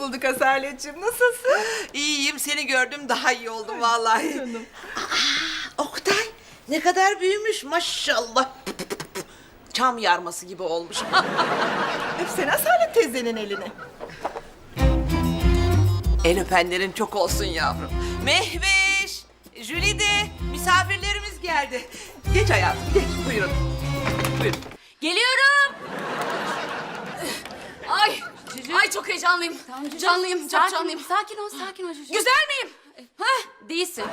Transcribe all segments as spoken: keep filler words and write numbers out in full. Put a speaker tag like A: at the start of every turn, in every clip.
A: bulduk Asaletciğim. Nasılsın?
B: İyiyim, seni gördüm daha iyi oldum vallahi.
A: Canım.
B: Aa, Oktay ne kadar büyümüş maşallah. Çam yarması gibi olmuş.
A: Öpsene Asalet teyzenin elini.
B: El öpenlerin çok olsun yavrum. Mehveş, Jülide, misafirlerimiz geldi. Geç hayatım, geç. Buyurun. Buyurun.
C: Geliyorum. Ay, ay çok heyecanlıyım. Canlıyım, çok
D: sakin,
C: canlıyım.
D: Sakin ol, sakin ol Cücü.
C: Güzel miyim?
D: Hah, değilsin.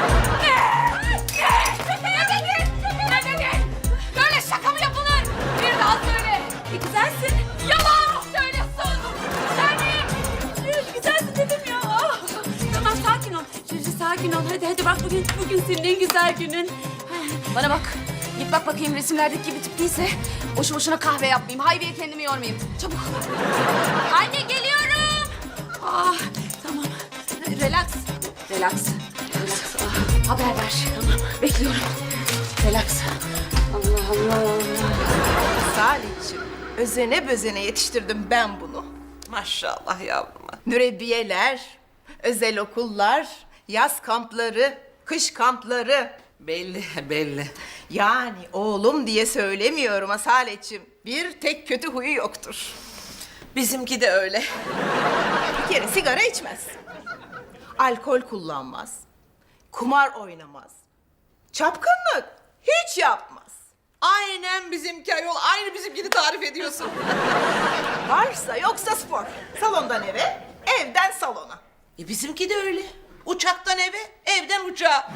C: Böyle şaka mı yapılır? Bir daha söyle.
D: E, güzelsin.
C: Yalan söylüyorsun. Güzel miyim?
D: Güzelsin dedim ya. Ah. Tamam, sakin ol. Cücü sakin ol. Hadi hadi bak bugün bugün senin en güzel günün.
C: Bana bak. Git bak bakayım resimlerdeki gibi tip değilse boşu boşuna kahve yapmayayım. Haybiye kendimi yormayayım. Çabuk.
D: Anne geliyorum.
C: Ah, tamam. Relax. Relax. Relax. Ah, haber ver. Tamam. Bekliyorum. Relax. Allah Allah Allah.
A: Asaletciğim, özene bözene yetiştirdim ben bunu.
B: Maşallah yavruma.
A: Mürebbiyeler, özel okullar, yaz kampları, kış kampları.
B: Belli, belli.
A: Yani oğlum diye söylemiyorum Asaletciğim. Bir tek kötü huyu yoktur.
B: Bizimki de öyle.
A: Bir kere sigara içmez. Alkol kullanmaz. Kumar oynamaz. Çapkınlık hiç yapmaz.
B: Aynen bizimki ayol. Aynı bizimkini tarif ediyorsun.
A: Varsa yoksa spor. Salondan eve, evden salona.
B: E bizimki de öyle. Uçaktan eve, evden uçağa.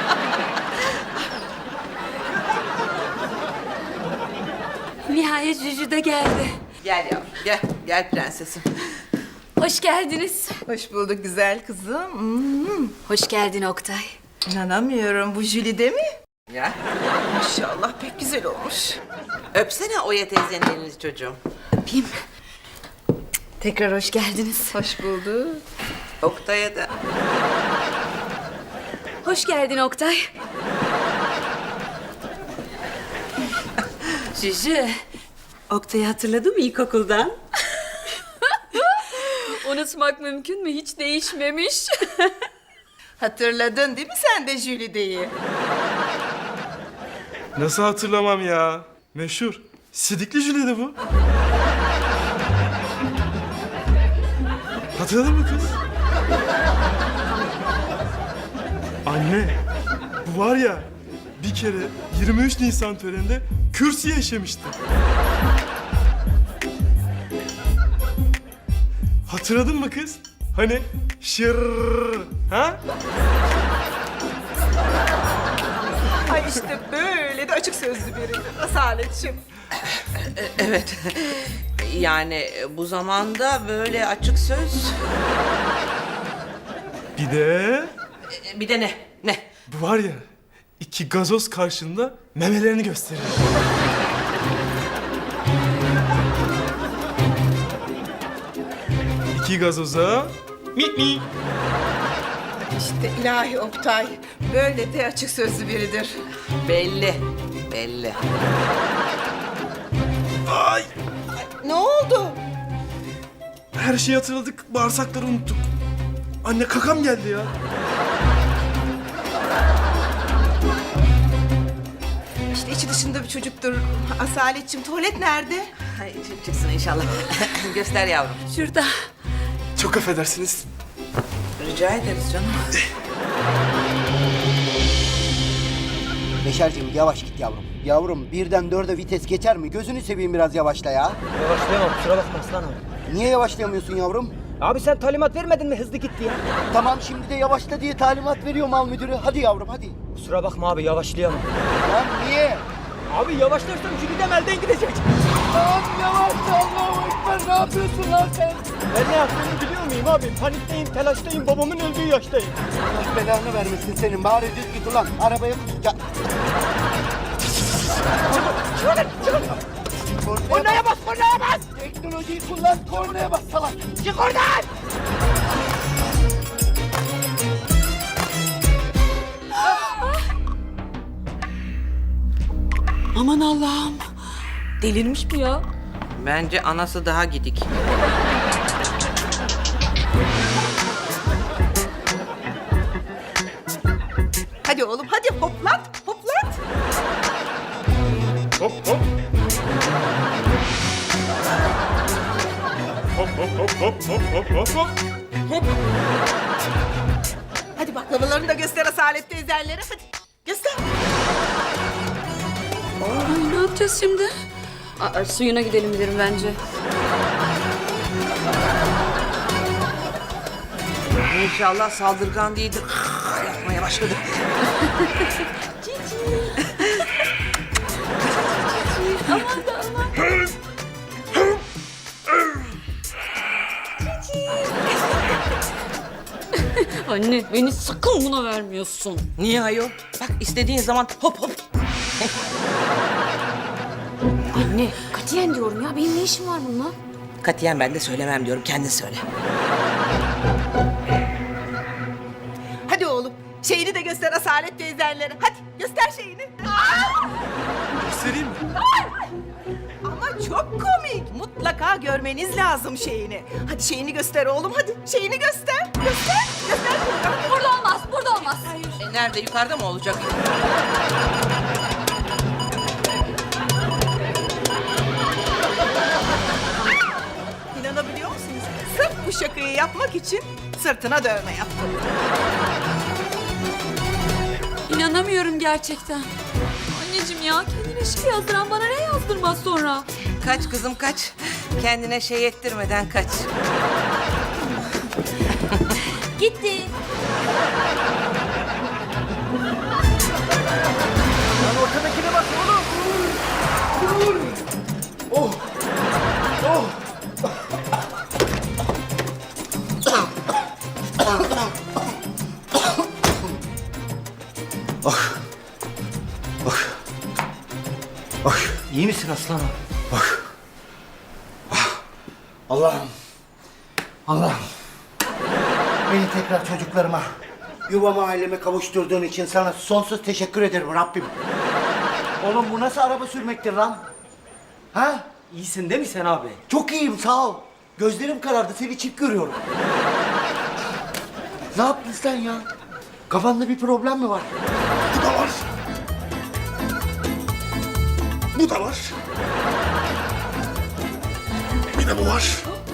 D: Nihayet Cücü de geldi.
B: Gel yavrum, gel. Gel prensesim.
D: Hoş geldiniz.
A: Hoş bulduk güzel kızım. Hmm.
D: Hoş geldin Oktay.
A: İnanamıyorum, bu Jülide mi?
B: Ya.
A: Maşallah pek güzel olmuş.
B: Öpsene Oya teyzenin elini çocuğum.
D: Öpeyim. Tekrar hoş geldiniz.
A: Hoş bulduk.
B: Oktay'a da.
D: Hoş geldin Oktay. Cücü, Oktay'ı hatırladın mı ilkokuldan? Unutmak mümkün mü? Hiç değişmemiş.
A: Hatırladın değil mi sen de Jülide'yi?
E: Nasıl hatırlamam ya? Meşhur. Sidikli Jülide bu. Hatırladın mı kız? Anne, bu var ya bir kere yirmi üç Nisan töreninde kürsüye işemişti. Hatırladın mı kız? Hani şır, ha?
A: Ay işte böyle de açık sözlü biridir Asaletciğim.
B: Evet. Yani bu zamanda böyle açık söz.
E: Bir de
B: Bir de ne? Ne?
E: bu var ya iki gazoz karşında memelerini gösterir. İki gazoza mi mi.
A: İşte ilahi Oktay böyle de açık sözlü biridir.
B: Belli. Belli.
E: Ay,
A: Ne oldu?
E: her şeyi hatırladık, bağırsakları unuttuk. Anne kakam geldi ya.
A: İşte içi dışında bir çocuktur. Asaletciğim tuvalet nerede?
B: Ay, çıksın inşallah. Göster yavrum.
D: Şurada.
E: Çok affedersiniz.
B: Rica ederiz canım.
F: Beşerciğim yavaş git yavrum. Yavrum birden dörde vites geçer mi? Gözünü seveyim biraz yavaşla ya.
G: Yavaşlayamam, kusura bakma aslanım.
F: Niye yavaşlayamıyorsun yavrum?
G: Abi sen talimat vermedin mi hızlı git diye?
F: Tamam şimdi de yavaşla diye talimat veriyor mal müdürü. Hadi yavrum hadi.
G: Kusura bakma abi, yavaşlayamam.
F: Lan niye?
G: Abi yavaşlarsam Jülide elden gidecek.
F: Lan yavaş Allahu Ekber, ne yapıyorsun lan sen?
G: Ben ne yaptığımı biliyor muyum abi? Panikteyim, telaştayım, babamın öldüğü yaştayım.
F: Allah belanı vermesin senin. Bari düz git ulan. Arabaya ya.
G: Çıkın, çıkın.
F: Kornaya bas, kornaya bas! Teknolojiyi kullan, kornaya bas salak. Çık oradan!
D: Aman Allah'ım. Delirmiş mi ya?
B: Bence anası daha gidik.
A: Hadi oğlum hadi hoplat hoplat.
E: Hop hop. Hop hop hop hop hop hop hop hop. Hop.
A: Hadi baklavalarını da göster Asalet teyzenlere hadi. Göster.
D: Ay, ne yapacağız şimdi?
C: Aa, suyuna gidelim derim bence.
B: İnşallah saldırgan değildir. Yapmaya başladı.
C: Anne beni sakın buna vermiyorsun.
B: Niye ayol? Bak istediğin zaman hop hop.
C: Anne katiyen diyorum ya, benim ne işim var bununla?
B: Katiyen ben de söylemem diyorum. Kendin söyle.
A: Hadi oğlum şeyini de göster Asalet teyzenlere. Hadi göster şeyini.
E: Göstereyim mi?
A: Ama çok komik. Mutlaka görmeniz lazım şeyini. Hadi şeyini göster oğlum hadi. Şeyini göster. Göster. Göster.
C: Burada olmaz, burada olmaz.
B: E, nerede? Yukarıda mı olacak?
A: İnanabiliyor musunuz? Sırf bu şakayı yapmak için sırtına dövme yaptım.
D: İnanamıyorum gerçekten. Anneciğim ya, kendine şey yazdıran bana ne yazdırmaz sonra?
B: Kaç kızım kaç. Kendine şey ettirmeden kaç.
C: Gitti.
F: Lan ortadakine bak oğlum. Oh. Oh.
G: İyi misin aslanım?
F: Allah'ım. Allah'ım. Beni tekrar çocuklarıma, yuvama aileme kavuşturduğun için sana sonsuz teşekkür ederim Rabbim. Oğlum bu nasıl araba sürmektir lan? Ha?
G: İyisin değil mi sen abi?
F: Çok iyiyim sağ ol. Gözlerim karardı seni çift görüyorum. Ne yaptın sen ya? Kafanda bir problem mi var?
E: Bu da var. Bu da var. Bir de bu var.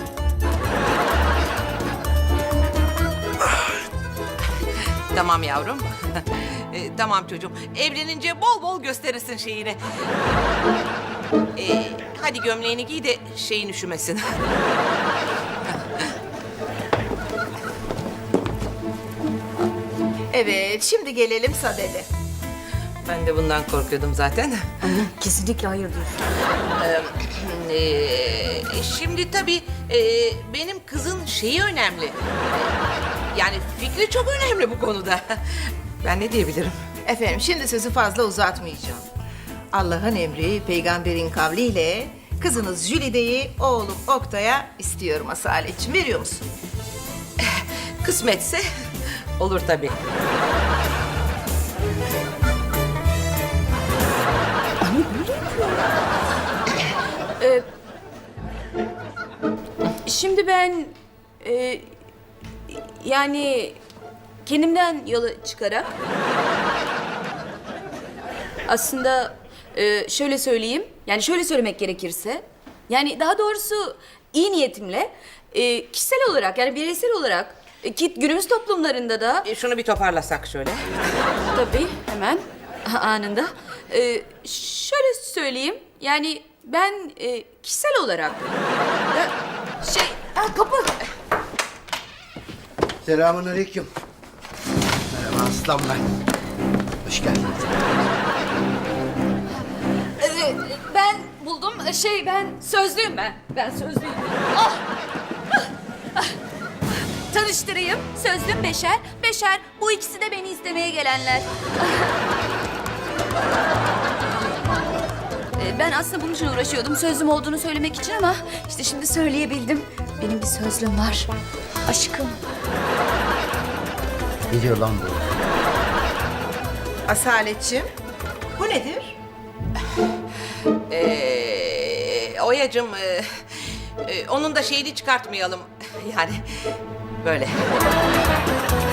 B: Tamam yavrum. E, tamam çocuğum. Evlenince bol bol gösterirsin şeyini. E, hadi gömleğini giy de şeyin üşümesin.
A: Evet şimdi gelelim Sadede.
B: Ben de bundan korkuyordum zaten.
C: Kesinlikle hayır diyorsun.
B: Ee, şimdi tabii e, benim kızın şeyi önemli. Yani fikri çok önemli bu konuda. Ben ne diyebilirim?
A: Efendim şimdi sözü fazla uzatmayacağım. Allah'ın emri peygamberin kavliyle kızınız Jülide'yi oğlum Oktay'a istiyorum Asaletciğim. Veriyor musun?
B: Kısmetse olur tabii.
C: Şimdi ben e, yani kendimden yola çıkarak aslında e, şöyle söyleyeyim, yani şöyle söylemek gerekirse, yani daha doğrusu iyi niyetimle e, kişisel olarak, yani bireysel olarak e, ki günümüz toplumlarında da
B: E, şunu bir toparlasak şöyle.
C: tabii hemen anında e, şöyle söyleyeyim, yani ben e, kişisel olarak da şey ha, kapı.
F: Selamun aleyküm. Merhaba aslan ben. Hoş geldin.
C: Ee, ben buldum. Şey ben sözlüyüm ben. Ben sözlüyüm. Ah! Ah! Tanıştırayım. Sözlüm Beşer. Beşer bu ikisi de beni istemeye gelenler. Ee, Ben aslında bunun için uğraşıyordum. Sözlüm olduğunu söylemek için ama işte şimdi söyleyebildim. Benim bir sözlüm var. Aşkım.
F: Ne diyor lan bu?
A: Asaletciğim bu nedir?
B: Ee, Oya'cığım e, e, onun da şeyini çıkartmayalım. Yani böyle.